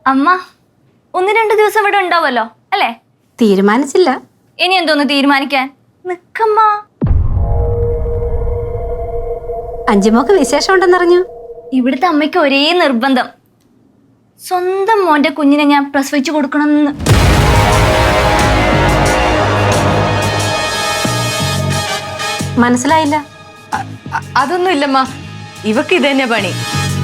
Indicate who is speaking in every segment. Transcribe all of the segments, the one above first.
Speaker 1: അമ്മ ഒന്ന് രണ്ട് ദിവസം ഇവിടെ ഉണ്ടാവുമല്ലോ അല്ലേ?
Speaker 2: തീരുമാനിച്ചില്ല.
Speaker 1: ഇനി എന്തോന്ന് തീരുമാനിക്കാൻ? നിക്കമ്മ.
Speaker 2: അഞ്ചുമോക്ക് വിശേഷം ഉണ്ടെന്നറിഞ്ഞു.
Speaker 1: ഇവിടുത്തെ അമ്മയ്ക്ക് ഒരേ നിർബന്ധം, സ്വന്തം മോന്റെ കുഞ്ഞിനെ ഞാൻ പ്രസവിച്ചു കൊടുക്കണമെന്ന്.
Speaker 2: മനസ്സിലായില്ല.
Speaker 3: അതൊന്നും ഇല്ലമ്മ, ഇവക്ക് ഇത് തന്നെ പണി.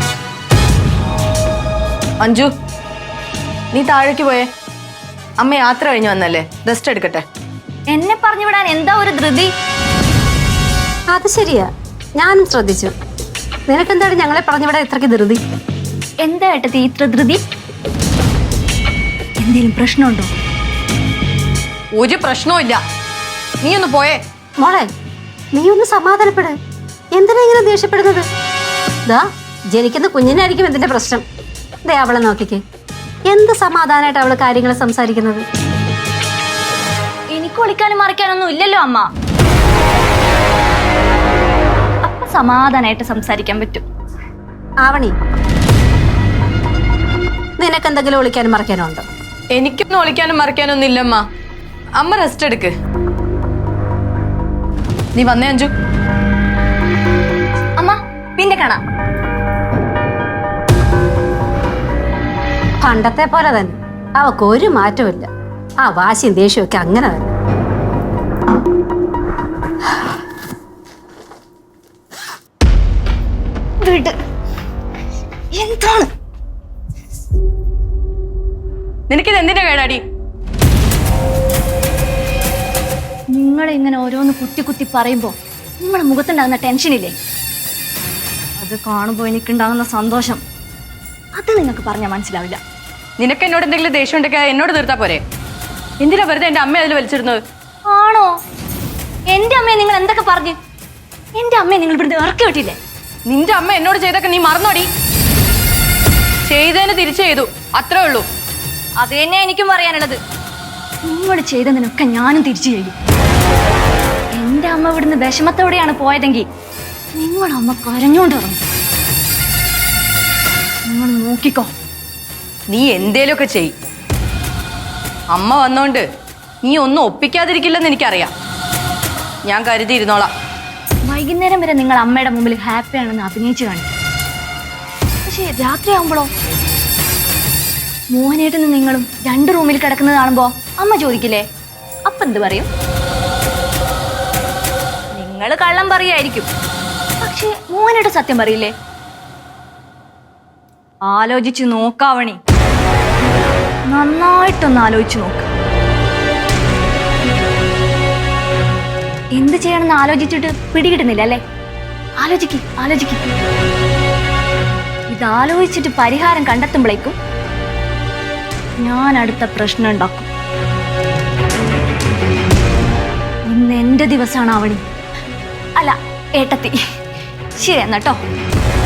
Speaker 3: അഞ്ജു, നീ താഴേക്ക് പോയേ. അമ്മ യാത്ര കഴിഞ്ഞു വന്നല്ലേ, റെസ്റ്റ് എടുക്കട്ടെ.
Speaker 1: എന്നെ പറഞ്ഞു വിടാൻ എന്താ ഒരു ധൃതി?
Speaker 2: അത് ശരിയാ, ഞാനും ശ്രദ്ധിച്ചു. നിനക്കെന്താണ് ഞങ്ങളെ പറഞ്ഞു വിടാൻ ഇത്രയ്ക്ക് ധൃതി?
Speaker 1: എന്താ ഏട്ടത്തി ഇത്ര ധൃതി? എന്തേലും പ്രശ്നമുണ്ടോ?
Speaker 3: ഒരു പ്രശ്നവും ഇല്ല, നീ ഒന്ന് പോയേ.
Speaker 2: മോളെ, നീ ഒന്ന് സമാധാനപ്പെട്. എന്തിനാ ഇങ്ങനെ ദേഷ്യപ്പെടുന്നത്? ദാ ജനിക്കുന്ന കുഞ്ഞിനായിരിക്കും ഇതിന്റെ പ്രശ്നം. ദേ അവളെ നോക്കിക്കേ, എന്ത് സമാധാനമായിട്ട് അവള് കാര്യങ്ങൾ സംസാരിക്കുന്നത്.
Speaker 1: എനിക്ക് ഒളിക്കാനും മറിക്കാനൊന്നും ഇല്ലല്ലോ അമ്മ. അപ്പൊ സമാധാനായിട്ട് സംസാരിക്കാൻ പറ്റും.
Speaker 2: ആവണി, നിനക്കെന്തെങ്കിലും ഒളിക്കാനും മറക്കാനും ഉണ്ടോ?
Speaker 3: എനിക്കൊന്നും ഒളിക്കാനും മറിക്കാനും ഒന്നും ഇല്ലമ്മ. അമ്മ റെസ്റ്റ് എടുക്ക്. നീ വന്നേ അഞ്ജു.
Speaker 1: അമ്മ പിന്നെ കാണാം.
Speaker 2: പണ്ടത്തെ പോലെ തന്നെ അവക്ക് ഒരു മാറ്റമില്ല. ആ വാശിയും ദേഷ്യവും ഒക്കെ അങ്ങനെ തന്നെ.
Speaker 1: എന്താണ്
Speaker 3: നിനക്കിത് എന്തിനാ കേടാടി?
Speaker 1: നിങ്ങൾ ഇങ്ങനെ ഓരോന്ന് കുത്തി കുത്തി പറയുമ്പോ നിങ്ങളുടെ മുഖത്തുണ്ടാകുന്ന ടെൻഷനില്ലേ, അത് കാണുമ്പോ എനിക്കുണ്ടാകുന്ന സന്തോഷം, അത് നിങ്ങൾക്ക് പറഞ്ഞാൽ മനസ്സിലാവില്ല.
Speaker 3: നിനക്ക് എന്നോട് എന്തെങ്കിലും ദേഷ്യം ഉണ്ടെങ്കിൽ എന്നോട് തീർത്താ പോരെ? എന്തിനാ വെറുതെ എന്റെ അമ്മ അതിൽ വലിച്ചിരുന്നത്?
Speaker 1: ആണോ? എന്റെ അമ്മയെ നിങ്ങൾ എന്തൊക്കെ പറഞ്ഞു? എന്റെ അമ്മയെ നിങ്ങൾ ഇവിടുന്ന് ഇറക്കി വിട്ടില്ലേ?
Speaker 3: നിന്റെ അമ്മ എന്നോട് ചെയ്തൊക്കെ നീ മറന്നോടി? ചെയ്തതിന് തിരിച്ചു ചെയ്തു, അത്രേ ഉള്ളൂ.
Speaker 1: അത് തന്നെ എനിക്കും പറയാനുള്ളത്. നിങ്ങൾ ചെയ്തതിനൊക്കെ ഞാനും തിരിച്ചു ചെയ്യും. എന്റെ അമ്മ ഇവിടുന്ന് വിഷമത്തോടെയാണ് പോയതെങ്കിൽ നിങ്ങളുടെ അമ്മ കരഞ്ഞോണ്ട് ഇറങ്ങും. നിങ്ങൾ നോക്കിക്കോ.
Speaker 3: നീ എന്തേലുമൊക്കെ ചെയ്. അമ്മ വന്നോണ്ട് നീ ഒന്നും ഒപ്പിക്കാതിരിക്കില്ലെന്ന് എനിക്കറിയാം. ഞാൻ കരുതിയിരുന്നോളാം.
Speaker 1: വൈകുന്നേരം വരെ നിങ്ങൾ അമ്മയുടെ മുമ്പിൽ ഹാപ്പിയാണെന്ന് അഭിനയിച്ചു കാണിക്കും. പക്ഷേ രാത്രിയാകുമ്പോഴോ മോഹനേട്ടന് നിങ്ങളും രണ്ട് റൂമിൽ കിടക്കുന്നത് കാണുമ്പോ അമ്മ ചോദിക്കില്ലേ, അപ്പൊ എന്ത് പറയും? നിങ്ങൾ കള്ളം പറയായിരിക്കും, പക്ഷേ മോഹനേട്ടൻ സത്യം പറയില്ലേ? ആലോചിച്ചു നോക്കാവണി, നന്നായിട്ടൊന്ന് ആലോചിച്ചു നോക്ക്. എന്ത് ചെയ്യണമെന്ന് ആലോചിച്ചിട്ട് പിടികിട്ടുന്നില്ല അല്ലേ? ആലോചിക്ക്. ഇതാലോചിച്ചിട്ട് പരിഹാരം കണ്ടെത്തുമ്പോഴേക്കും ഞാൻ അടുത്ത പ്രശ്നം ഉണ്ടാക്കും. ഇന്ന് എന്റെ ദിവസമാണ് ആവണി. അല്ല ഏട്ടത്തി. ശരി എന്നാട്ടോ.